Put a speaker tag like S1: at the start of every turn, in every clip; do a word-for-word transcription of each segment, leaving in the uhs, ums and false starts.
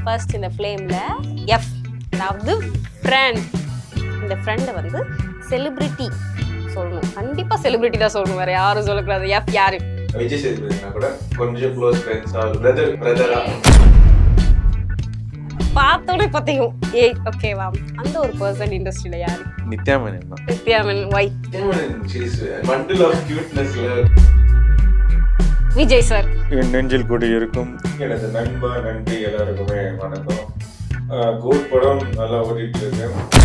S1: First இந்த ஃப்ளேமில் F, அதாவது ஃப்ரெண்ட். இந்த ஃப்ரெண்டை வந்து செலிபிரிட்டி சொல்லணும். கண்டிப்பாக செலிபிரிட்டி தான் சொல்லணும், வேறு யாரும் சொல்லக்கூடாது. எஃப் யாரு?
S2: விஜய் சேதுபதினா கூட கொஞ்சம் க்ளோஸ் ஃப்ரெண்ட்ஸ் ஆர் பிரதர் பிரதரா
S1: பார்த்தோன்னே பத்தியும் ஏய் ஓகேவா, அந்த ஒரு பர்சன் இண்டஸ்ட்ரியில யாரு?
S2: நித்யா மேனன் தான்.
S1: Nithya Menon. Why?
S2: Nithya Menon she is a bundle of cutenessல.
S1: விஜய் சார்.
S3: என் நெஞ்சில் கூடி இருக்கும் எனது நண்பா நன்றி எல்லாருக்குமே வணக்கம். கோட் படம் நல்லா ஓடிட்டு இருக்கு.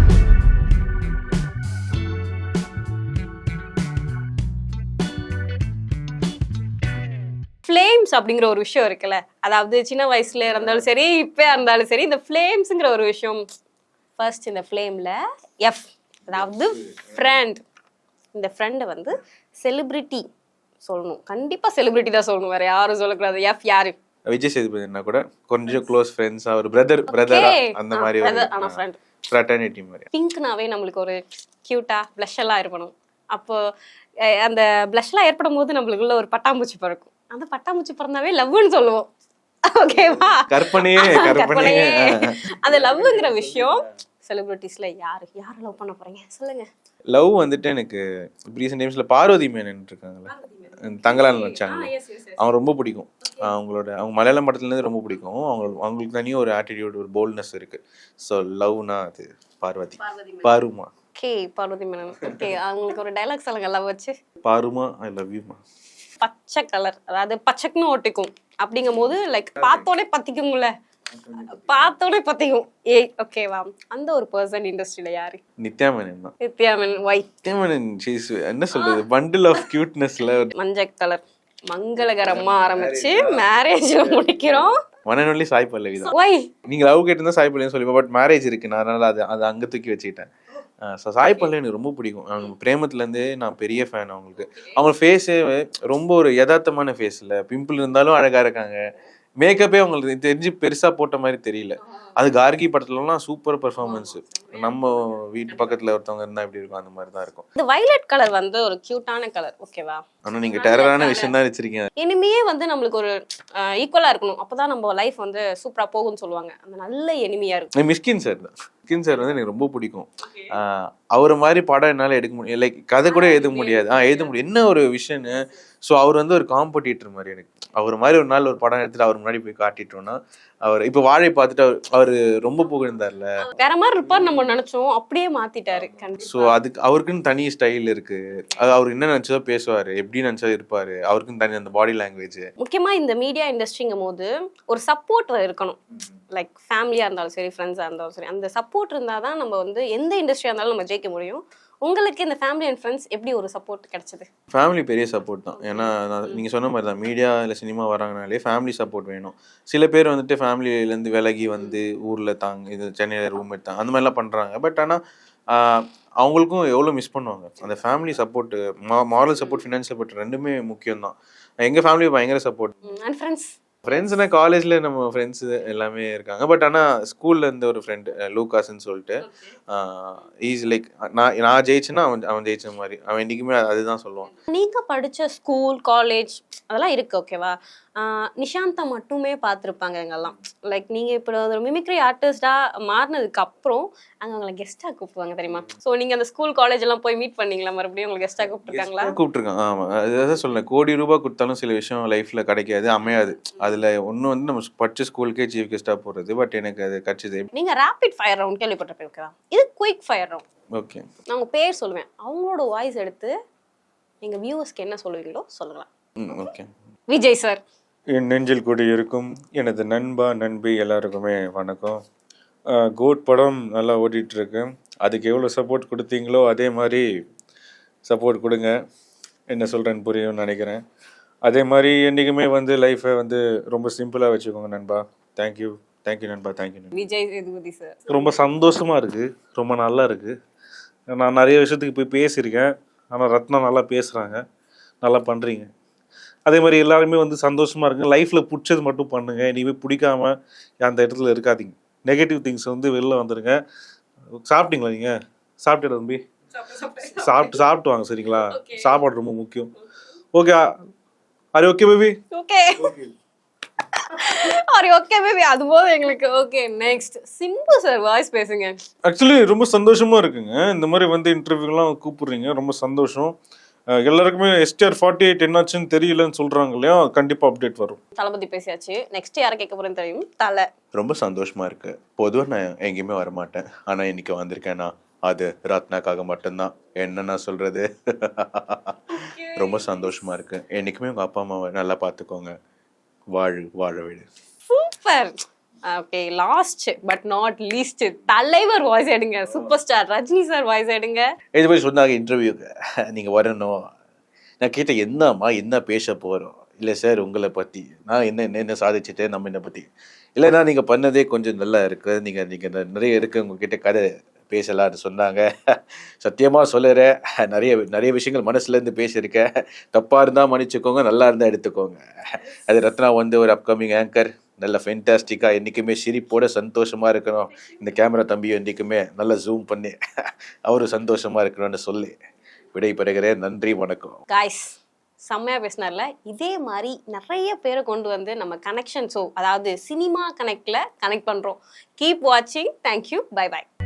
S1: ஃப்ளேம்ஸ் அப்படிங்கிற ஒரு விஷயம் இருக்குல்ல, அதாவது சின்ன வயசுல இருந்தாலும் சரி இப்போ இருந்தாலும் சரி, இந்த ஃப்ளேம்ஸுங்கிற ஒரு விஷயம். ஃபர்ஸ்ட் இந்த ஃப்ளேமில் எஃப், அதாவது ஃப்ரெண்ட். இந்த ஃப்ரெண்டை வந்து செலிபிரிட்டி சொல்லணும். கண்டிப்பாக செலிபிரிட்டி தான் சொல்லணும், வேறு யாரும் சொல்லக்கூடாது. எஃப் யாரு?
S2: விஜய் சேதுபதினா கூட கொஞ்சம் க்ளோஸ் ஃப்ரெண்ட்ஸ் ஆர் பிரதர் பிரதரா அந்த மாதிரி
S1: ஆனால் ஃப்ரெண்ட்
S2: ஃப்ராட்டர்னிட்டி மாதிரி.
S1: பிங்க்னாவே நம்மளுக்கு ஒரு க்யூட்டா ப்ளஷ் எல்லாம் இருக்கணும். அப்போ அந்த ப்ளஷ்லாம் ஏற்படும் போது நம்மளுக்குள்ள ஒரு பட்டாம்பூச்சி பறக்கும். அந்த பட்டாம்பூச்சி பிறந்தாவே லவ்னு சொல்லுவோம். ஓகேவா?
S2: கற்பனையே கற்பனையே.
S1: அந்த லவ்ங்கிற விஷயம் செலிபிரிட்டிஸ்ல யாரு யாரை லவ் பண்ண போறீங்க சொல்லுங்க.
S2: லவ் வந்துட்டு எனக்கு ரீசெண்ட் டைம்ஸ்ல பார்வதி மேனன் இருக்காங்களே, தங்கலான் வச்சாங்க, அவங்க ரொம்ப பிடிக்கும். அவங்களோட அவங்க மலையாளம் படத்துலேருந்து ரொம்ப பிடிக்கும். அவங்க அவங்களுக்கு தனியாக ஒரு ஆட்டிடியூட், ஒரு போல்ட்னஸ் இருக்கு. ஸோ லவ்னா அது பார்வதி. பாருமா.
S1: ஓகே, பார்வதி மேனன். ஓகே, அவங்களுக்கு ஒரு டைலாக் சொல்லுங்க லவ் வச்சு.
S2: பாருமா ஐ லவ் யூமா.
S1: பச்சை கலர், அதாவது பச்சைக்குன்னு ஒட்டிக்கும். அப்படிங்கும் போது லைக் பார்த்தோடே பத்திக்கும்ல, பார்த்தோடே பத்திக்கும். ஏய் ஓகேவா, அந்த ஒரு பர்சன் இண்டஸ்ட்ரியில யாரு?
S2: நித்யா மேனன் தான்.
S1: Nithya Menon. Why?
S2: Nithya Menon she is என்ன சொல்றது, பண்டில் ஆஃப் கியூட்னஸ்ல.
S1: மஞ்சள் கலர் மங்களகரமா ஆரம்பிச்சு மேரேஜ்ல முடிக்கிறோம்.
S2: One and only Sai Pallavi தான்.
S1: வை?
S2: நீங்க லவ் கேட்டிருந்தா சாய் பல்லவின்னு சொல்லி, பட் மேரேஜ் இருக்கு, நான் அதனால அது அதை அங்கே தூக்கி வச்சுக்கிட்டேன். ஸோ சாய் பல்லவி எனக்கு ரொம்ப பிடிக்கும். அவங்க பிரேமத்துலேருந்தே நான் பெரிய ஃபேன் அவங்களுக்கு. அவங்க ஃபேஸே ரொம்ப ஒரு யதார்த்தமான ஃபேஸ் இல்லை, பிம்பிள் இருந்தாலும் அழகாக இருக்காங்க. மேக்கப்பே அவங்களுக்கு தெரிஞ்சு பெருசாக போட்ட மாதிரி தெரியல. அது கார்கி படத்துலலாம் சூப்பர் பெர்ஃபார்மன்ஸ். நம்ம வீட்டு பக்கத்தில் ஒருத்தவங்க இருந்தால் எப்படி இருக்கும் அந்த மாதிரி தான் இருக்கும்.
S1: இந்த வயலட் கலர் வந்து ஒரு கியூட்டான கலர். ஓகேவா?
S2: ஆனால் நீங்கள் டெரரான விஷயம் தான் வச்சிருக்கீங்க.
S1: எனிமியே வந்து நம்மளுக்கு ஒரு ஈக்குவலாக இருக்கணும், அப்போதான் நம்ம லைஃப் வந்து சூப்பராக போகும்னு சொல்லுவாங்க. அந்த நல்ல எனிமியாக இருக்கும்.
S2: மிஸ்கின் சார் தான். மிஸ்கின் சார் வந்து எனக்கு ரொம்ப பிடிக்கும். அவர் மாதிரி படம் என்னால் எடுக்க முடியும், லைக் கதை கூட எழுத முடியாது. ஆ எழுத முடியும் என்ன ஒரு விஷயம்னு. ஸோ அவர் வந்து ஒரு காம்படிட்டர் மாதிரி எனக்கு. அவர் மாதிரி ஒரு நாள் ஒரு படம் எடுத்துட்டு அவர் முன்னாடி போய் காட்டிட்டோம்னா, அவர் இப்போ வாழை பார்த்துட்டு அவர் அவர் ரொம்ப புகழ்ந்தார்ல,
S1: வேற மாதிரி இருப்பார் நம்ம நினைச்சோம், அப்படியே மாத்திட்டாரு.
S2: ஸோ அதுக்கு அவருக்குன்னு தனி ஸ்டைல் இருக்கு. அது அவர் என்ன நினைச்சதோ பேசுவாரு, எப்படி நினைச்சதோ இருப்பாரு. அவருக்குன்னு தனி அந்த பாடி லாங்குவேஜ்.
S1: முக்கியமா இந்த மீடியா இண்டஸ்ட்ரிங்கும் போது ஒரு சப்போர்ட் இருக்கணும். லைக் ஃபேமிலியா இருந்தாலும் சரி, ஃப்ரெண்ட்ஸா இருந்தாலும் சரி, அந்த சப்போர்ட் இருந்தாதான் நம்ம வந்து எந்த இண்டஸ்ட்ரியா இருந்தாலும் நம்ம ஜெயிக்க முடியும். உங்களுக்கு இந்த ஃபேமிலி அண்ட் ஃப்ரெண்ட்ஸ் எப்படி ஒரு சப்போர்ட் கிடைச்சது?
S2: ஃபேமிலி பெரிய சப்போர்ட் தான். ஏன்னா நீங்கள் சொன்ன மாதிரி தான், மீடியா இல்லை சினிமா வராங்கனாலே ஃபேமிலி சப்போர்ட் வேணும். சில பேர் வந்துட்டு ஃபேமிலியிலேருந்து விலகி வந்து ஊரில் தாங்க, இது சென்னையில் ரூம் எடுத்தாங்க, அந்த மாதிரிலாம் பண்ணுறாங்க. பட் ஆனால் அவங்களுக்கும் எவ்வளோ மிஸ் பண்ணுவாங்க. அந்த ஃபேமிலி சப்போர்ட்டு, மா மாரல் சப்போர்ட், ஃபினான்ஷியல் சப்போர்ட் ரெண்டுமே முக்கியம் தான். எங்கள் ஃபேமிலி பயங்கர சப்போர்ட்.
S1: அண்ட் ஃப்ரெண்ட்ஸ்
S2: ஃப்ரெண்ட்ஸ்னா காலேஜில் நம்ம ஃப்ரெண்ட்ஸ் எல்லாமே இருக்காங்க. பட் ஆனால் ஸ்கூலில் இருந்து ஒரு ஃப்ரெண்டு லூகாஸ்ன்னு சொல்லிட்டு, ஈஸ் லைக் நான் நான் ஜெயிச்சேன்னா அவன் அவன் ஜெயிச்ச மாதிரி. அவன் என்றைக்குமே அதுதான் சொல்லுவான்.
S1: நீங்கள் படித்த ஸ்கூல் காலேஜ் அதெல்லாம் இருக்குது. ஓகேவா? நிஷாந்தா மட்டுமே பார்த்துருப்பாங்க எங்கெல்லாம். லைக் நீங்கள் இப்போ ஒரு மிமிக்ரி ஆர்டிஸ்டாக மாறினதுக்கு அப்புறம் அங்கே அவங்களை கெஸ்ட்டாக கூப்பிடுவாங்க தெரியுமா? ஸோ நீங்கள் அந்த ஸ்கூல் காலேஜ் எல்லாம் போய் மீட் பண்ணீங்களா? மறுபடியும் உங்களை கெஸ்ட்டாக கூப்பிட்டுருக்காங்களா?
S2: கூப்பிட்டுருக்கான். ஆமாம், அதுதான் சொல்லேன். கோடி ரூபாய் கொடுத்தாலும் சில விஷயம் லைஃப்பில் கிடைக்காது, அமையாது. அதில் ஒன்று வந்து நம்ம படித்த ஸ்கூலுக்கே சீஃப் கெஸ்ட்டாக போகிறது. பட் எனக்கு அது கிடச்சிது.
S1: நீங்கள் ரேபிட் ஃபயர் ரவுண்ட் கேள்விப்பட்டிருப்பேன். ஓகேவா? இது குயிக் ஃபயர் ரவுண்ட்.
S2: ஓகே,
S1: நான் உங்கள் பேர் சொல்லுவேன், அவங்களோட வாய்ஸ் எடுத்து எங்கள் வியூவர்ஸ்க்கு என்ன சொல்லுவீங்களோ சொல்லலாம்.
S2: ம் ஓகே.
S1: விஜய் சார்.
S3: என் நெஞ்சில் கூடி இருக்கும் எனது நண்பா நண்பி எல்லாருக்குமே வணக்கம். கோட் படம் நல்லா ஓடிட்டு இருக்கு. அதுக்கு எவ்வளோ சப்போர்ட் கொடுத்தீங்களோ அதே மாதிரி சப்போர்ட் கொடுங்க. என்ன சொல்கிறேன்னு புரியும்னு நினைக்கிறேன். அதே மாதிரி என்றைக்குமே வந்து லைஃப்பை வந்து ரொம்ப சிம்பிளாக வச்சுக்கோங்க நண்பா. தேங்க்யூ தேங்க்யூ நண்பா. தேங்க்யூ நண்பா.
S1: விஜய் சேதுபதி சார்.
S3: ரொம்ப சந்தோஷமாக இருக்குது, ரொம்ப நல்லா இருக்குது. நான் நிறைய விஷயத்துக்கு போய் பேசியிருக்கேன், ஆனால் ரத்னா நல்லா பேசுகிறாங்க, நல்லா பண்ணுறீங்க. அதே மாதிரி எல்லாருமே வந்து சந்தோஷமாக இருங்க. லைஃப்பில் பிடிச்சது மட்டும் பண்ணுங்கள். இனிமேல் பிடிக்காம அந்த இடத்துல இருக்காதீங்க. நெகட்டிவ் திங்ஸ் வந்து வெளில வந்துடுங்க. சாப்பிட்டீங்களா? நீங்கள் சாப்பிட்டு தம்பி சாப்பிட்டு சாப்பிட்டு வாங்க சரிங்களா? சாப்பாடு ரொம்ப முக்கியம். ஓகே, அரே ஓகே பேபி.
S1: ஓகே. சரி ஓகே பேபி அது போதும் எங்களுக்கு. Okay next Simbu sir voice பேசுங்க.
S3: ஆக்சுவலி ரொம்ப சந்தோஷமா இருக்குங்க இந்த மாதிரி வந்து இன்டர்வியூலாம் கூப்பிடுறீங்க, ரொம்ப சந்தோஷம். அஹ் எல்லாருக்குமே எஸ்டிஆர் ஃபார்ட்டி எயிட் என்னாச்சுன்னு தெரியலன்னு சொல்றாங்க இல்லையா, கண்டிப்பா அப்டேட் வரும்.
S1: தளபதி பேசியாச்சு. நெக்ஸ்ட் யாரை கேட்க போறேன்னு தெரியும். தலை.
S2: ரொம்ப சந்தோஷமா இருக்கு. பொதுவாக நான் எங்கேயுமே வரமாட்டேன், ஆனா இன்னைக்கு வந்திருக்கேன்னா அது ரத்னாக்காக மட்டும்தான். என்ன நான் சொல்றது. ரொம்ப சந்தோஷமா இருக்கு. என்னைக்குமே உங்க அப்பா அம்மாவை நல்லா பார்த்துக்கோங்க. வாழு வாழ விடு.
S1: Super. Okay last but not least தலைவர் வாய்ஸ் எடுங்க. Super star Rajini sir voice எடுங்க.
S2: இது மாதிரி சொன்னாங்க இன்டர்வியூக்கு நீங்கள் வரணும். நான் கேட்டேன் என்னம்மா என்ன பேச போகிறோம். இல்லை சார் உங்களை பற்றி நான் என்ன என்ன என்ன சாதிச்சுட்டேன் நம்ம என்னை பற்றி இல்லைன்னா நீங்கள் பண்ணதே கொஞ்சம் நல்லா இருக்குது, நீங்கள் நீங்கள் நிறைய இருக்குது உங்ககிட்ட கதை பேசலான்னு சொன்னாங்க. சத்தியமாக சொல்லுறேன், நிறைய நிறைய விஷயங்கள் மனசுலேருந்து பேசியிருக்கேன். தப்பாக இருந்தால் மன்னிச்சுக்கோங்க, நல்லா இருந்தால் எடுத்துக்கோங்க. அது ரத்னா வந்து ஒரு அப்கமிங் ஆங்கர், நல்ல ஃபென்டாஸ்டிக்காக என்றைக்குமே சிரிப்போட சந்தோஷமாக இருக்கணும். இந்த கேமரா தம்பியும் என்றைக்குமே நல்லா ஜூம் பண்ணி அவரும் சந்தோஷமாக இருக்கணும்னு சொல்லி விடைபெறுகிறேன். நன்றி வணக்கம்.
S1: காய்ஸ் செம்மையா பேசினார்ல. இதே மாதிரி நிறைய பேரை கொண்டு வந்து நம்ம கனெக்ஷன் ஷோ அதாவது சினிமா கனெக்ட்ல கனெக்ட் பண்றோம். கீப் வாட்சிங். தேங்க்யூ. Bye by.